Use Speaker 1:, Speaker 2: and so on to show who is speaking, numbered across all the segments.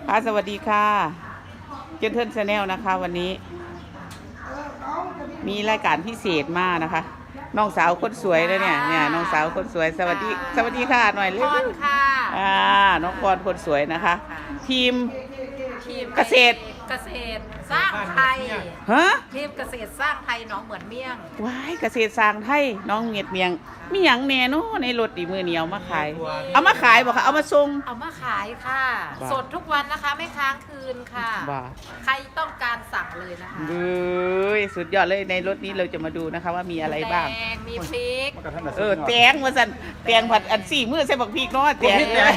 Speaker 1: ค่ะสวัสดีค่ะเจนเทิร์นชาแนลนะคะวันนี้มีรายการพิเศษมากนะคะน้องสาวคนสวยเลยเนี่ยน้องสาวคนสวยสวัสดีค่ะหน่อยเร็ว
Speaker 2: พรค่ะ
Speaker 1: น้องพรคนสวยนะคะ ทีม
Speaker 2: ทีม
Speaker 1: เกษตร
Speaker 2: สร้างไทย
Speaker 1: ฮะ
Speaker 2: ทีมเกษตรสร้างไทยหนองเหมือนเมี่ยง
Speaker 1: ว้ายเกษตรสร้างไทยน้องเมียดเมียงมีหยังแน่เนาะในรถดีมือเหนียวมาขายเอามาขายบ่คะเอามาส่ง
Speaker 2: เอามาขายค่ะ
Speaker 1: บ้า
Speaker 2: สดทุกวันนะคะไม่ค้างคืนค่ะ
Speaker 1: บ้า
Speaker 2: ใครต้องการสั่งเลยนะคะ
Speaker 1: เฮ้ยสุดยอดเลยในรถนี้เราจะมาดูนะคะว่ามีอะไรบ้าง
Speaker 2: แตงมีพริก
Speaker 1: แตงว่าสันแตงผัดอันสี่มือใส่บักพริกเนาะแตง
Speaker 3: แตง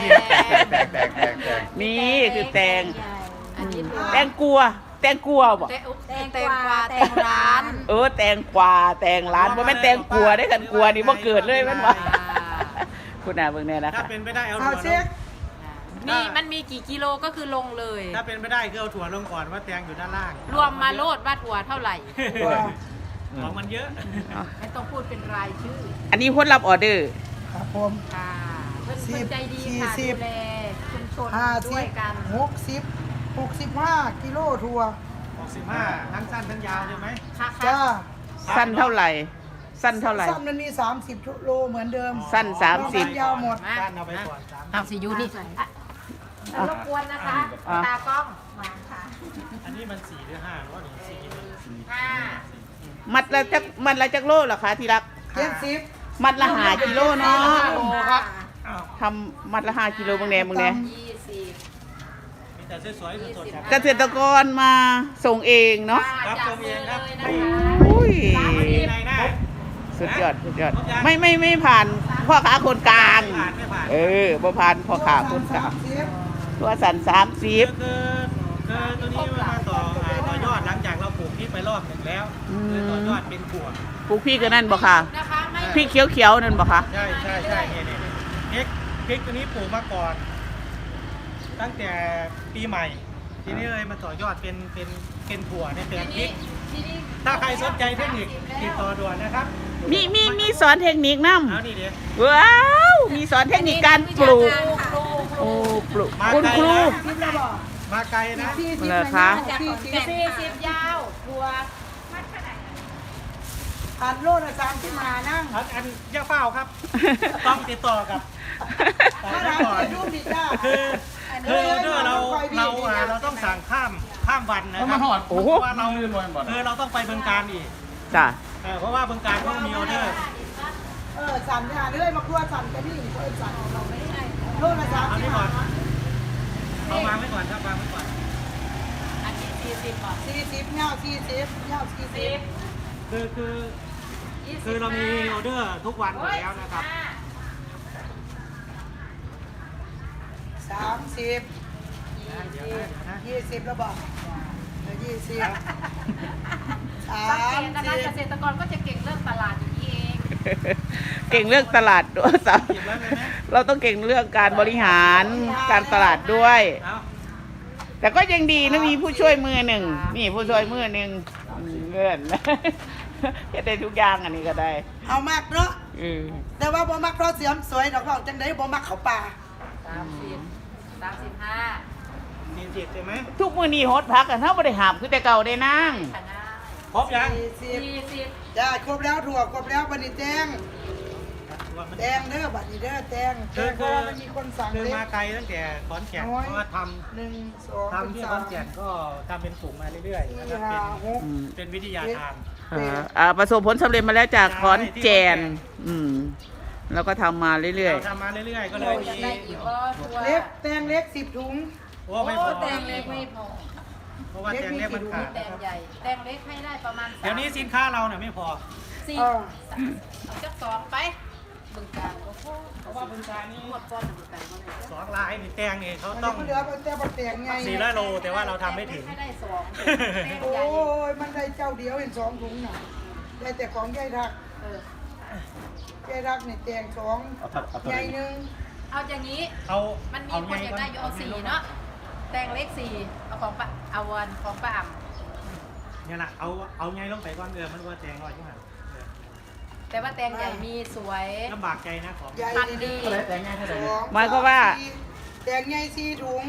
Speaker 1: นี่คือแตง
Speaker 2: อันนี้
Speaker 1: แตงกลัวบ่
Speaker 2: แตงกวาแตงร้าน
Speaker 1: แตงกวาแตงร้านบ่แม่นแตงกลัวได้กันกลัวนี่บ่เกิดเลยแม่นบ่คุณน่ะเบิ่งแน่นะ
Speaker 3: ถ้า
Speaker 1: คะ
Speaker 3: เป็นไปได้เอา
Speaker 4: เอา
Speaker 3: ถั่ว
Speaker 4: เช็ค
Speaker 2: นี่มันมีกี่กิโลก็คือลงเลย
Speaker 3: ถ้าเป็นไปได้คือเอาถั่วลงก่อนว่าแตงอยู่ด้านล่าง
Speaker 2: รวมมาโลดว่าถั่วเท่าไหร่
Speaker 3: ของมันเยอะ
Speaker 2: ไม่ต้องพูดเป็นรายชื่อ
Speaker 1: อันนี้คนรับออเดอร์
Speaker 4: ครับผม
Speaker 2: ค่ะเพื่อนใจดีค่ะ
Speaker 4: 40
Speaker 2: ดูแลชุมชน
Speaker 4: 50
Speaker 2: ด้วยกัน
Speaker 4: 65 กิโลทัวร์
Speaker 3: 65ทั้งสั้นทั้งยาวใช่ไหม
Speaker 2: ค่ะ
Speaker 4: จ้า
Speaker 1: สั้นเท่าไหร่ สั้นเท่าไหร่
Speaker 4: สั้นมันมี 30 โลเหมือนเดิม
Speaker 1: สั้น
Speaker 4: นอกนั้น
Speaker 1: 30
Speaker 4: ยาวหมด
Speaker 3: สั้นเอาไปก่อน3
Speaker 2: เอาสิยูนี่รบกวนนะคะ
Speaker 1: อ่ะ
Speaker 2: ตากล้องวางค่ะ
Speaker 3: อันนี้มัน4หรือ5หรือว่า1 4
Speaker 2: ห้า
Speaker 1: มัดละจักโลเหรอคะที่รัก
Speaker 4: 70
Speaker 1: มัดละ5กิโลเนาะ
Speaker 3: โลครับ
Speaker 1: ทำมัดละ5กิโลเบิ่งแน่เบิ่งแน่
Speaker 2: 20
Speaker 3: มีแต่สวยๆสดๆครับ
Speaker 1: เกษตรกรมาส่งเองเนาะ
Speaker 3: ครับ
Speaker 2: จั
Speaker 3: ตรงเองครับ
Speaker 2: เลยนะคะ
Speaker 1: อุ้ย
Speaker 3: ในหน้า
Speaker 1: สุดยอดไม่ผ่านพ่อค้าคนกลาง
Speaker 3: ไม่ผ่าน
Speaker 1: บ่ผ่านพ่อค้าคนกลาง
Speaker 4: 30
Speaker 1: ตัวสัน
Speaker 3: คือตัวนี้มาต่อยอดหลังจากเราปลูกพริกไปรอบหนึ่งแล้วคือต่อยอดเป็นขวด
Speaker 1: 30ปลูกพี่ก็นั่นบ่ค่ะ
Speaker 2: นะคะไม่
Speaker 1: พี่เขียวๆนั่นบ่คะ
Speaker 3: ใช่เนี่ยพริกตัวนี้ปลูกมาก่อน ตั้งแต่ปีใหม่ ทีนี้เลยมาต่อยอดเป็นถั่วเนี่ยเป็นพริก
Speaker 2: ทีนี้
Speaker 3: ถ้าใครสนใจเทคนิคติดต่อด่วนนะครับ
Speaker 1: มีสอนเทคนิคนํ
Speaker 3: เอานี่เดี๋ยว
Speaker 1: ว้าวมีสอนเทคนิคการปลูก
Speaker 2: ครู
Speaker 1: โอ้ปลูก
Speaker 3: มา
Speaker 1: คุณ
Speaker 3: ไกล
Speaker 1: ครู
Speaker 3: นะ
Speaker 4: คิดแล้วบอก
Speaker 3: มาไกลนะ
Speaker 1: เหรอคะ
Speaker 2: 40ยาวทัว
Speaker 4: ผ่านโลละ30มานั่ง
Speaker 3: อันย่าเฝ้าครับ ต้องติดต่อกับ
Speaker 4: ถ้า
Speaker 3: เจ้า
Speaker 4: ร้าน
Speaker 3: ก่อน
Speaker 4: เปิดรูปดีจ้า
Speaker 3: คือเราต้องสั่งข้ามวันนะครับ
Speaker 1: โอ้โห
Speaker 3: เพราะว่าเราต้องไปเบืองการอีก
Speaker 1: จ้ะ
Speaker 3: เพราะว่าเบืองการเขามีออเดอร์
Speaker 4: สั่นเนี่ยเรื่อยมาครัวสั่นกันนี่สั่นโลละ
Speaker 3: เอานี่ก่อน
Speaker 4: 30
Speaker 3: เอาวางไว้ก่อนครับวางไว้ก่อน
Speaker 2: อันนี้40บาท
Speaker 4: 40เงา40เงา40
Speaker 3: คือเรามีออเดอร์ทุกวันอยู่แล้วนะครับ
Speaker 4: 30
Speaker 3: เดี๋ยวนะ
Speaker 4: 20แล้วบอก20
Speaker 2: สังเกตนะคะเกษตรกรก็จะเก่งเรื่องตลาดอย่างนี้เอง
Speaker 1: เก่งเรื่องตลาดด้วยสาว
Speaker 3: เก็บไว้เลยนะ
Speaker 1: เราต้องเก่งเรื่องการบริหารการตลาดด้วย
Speaker 3: เอา
Speaker 1: แต่ก็ยังดีนะมีผู้ช่วยมือหนึ่งนี่ผู้ช่วยมือหนึ่งเงื่อน จะได้ทุกอย่างอันนี้ก็ได้
Speaker 4: เอามากเนาะ
Speaker 1: เออ
Speaker 4: แต่ว่าบ่มักเพราะเสียมสวยดอกบอกจังได๋บ่มักเขาป่า
Speaker 2: 30 35
Speaker 3: 40ใช่ไหม
Speaker 1: ทุกมือนี้ฮดพักกันเท่าบริหารคือแต่เก่าได้นั่ง
Speaker 2: ค่ะนะ
Speaker 3: ครบยัง
Speaker 4: 40จ้าครบแล้วถั่วครบแล้วบัดนี้แตงแตงเด้อบัดนี้เด้อแตงเพราะว่ามันมีคนสั่ง
Speaker 3: คือ
Speaker 4: เล็
Speaker 3: มาไกลตั้งแต่ขอนแก่นเพราะว่าท
Speaker 4: 1 2
Speaker 3: ำที่ขอนแก่นก็ทำเป็นกลุ่มมาเรื่อยๆนะครับ
Speaker 4: 4 5 6
Speaker 3: เป็นวิทยาทาน
Speaker 1: ประสบผลสำเร็จมาแล้วจากขอนแก่นแล้วก็ทำมาเรื่อย
Speaker 3: เราทำมาเรื่อยๆ ก็เลย
Speaker 2: อยาก
Speaker 3: มี
Speaker 2: ได้อีกก็ทัว
Speaker 4: เล็กแตงเล็ก10ถุง
Speaker 3: โอ้ไม่พอ
Speaker 2: แตงเล็กไม่พอ
Speaker 3: เพราะว่าแตงเล็กมันขาด
Speaker 2: แตงใหญ่แตงเล็กให้ได้ประมาณ
Speaker 3: เดี๋ยวนี้สินค้าเราเนี่ยไม่พอ
Speaker 2: 4เอาจัก2ไปบึงการโอ้โห
Speaker 3: เพราะว่าบึงการนี่
Speaker 2: หมดก้อนบึงการบ่ได้
Speaker 3: สองลายนี่แตงนี่เขา
Speaker 4: มัน
Speaker 3: ต้อง
Speaker 4: เหลือแต่บ่แตงไง
Speaker 3: 400 โลแต่ว่าเราทำไม่ถึง
Speaker 2: ให้ได้2แตง
Speaker 4: โอ้
Speaker 2: ใหญ่
Speaker 4: ยมันได้เจ้าเดียวเห็น2ถุงน่ะได้แต่ของยายทัก
Speaker 2: เออย
Speaker 4: ายทักนี่แตง2ใหญ่หนึง
Speaker 2: เอาอย่างนี้
Speaker 3: เอา
Speaker 2: มันมี
Speaker 3: เอา
Speaker 2: คนอยากได้อยู่เอา4เนาะแตงเล็ก4เอาของป้าเอาวันของป้าอ่ำ
Speaker 3: เนี่ยนะเอาไงลงไปก่อนมันว่าแตงร้อยจังหัน
Speaker 2: แต่ว่าแตงใหญ่มีสวย
Speaker 3: ลำบากใจนะของ
Speaker 4: ใหญ่
Speaker 2: พัน
Speaker 4: ดี
Speaker 2: ดี
Speaker 4: 2
Speaker 1: หมายความว่า
Speaker 4: 3 4แตงใหญ่4ถุง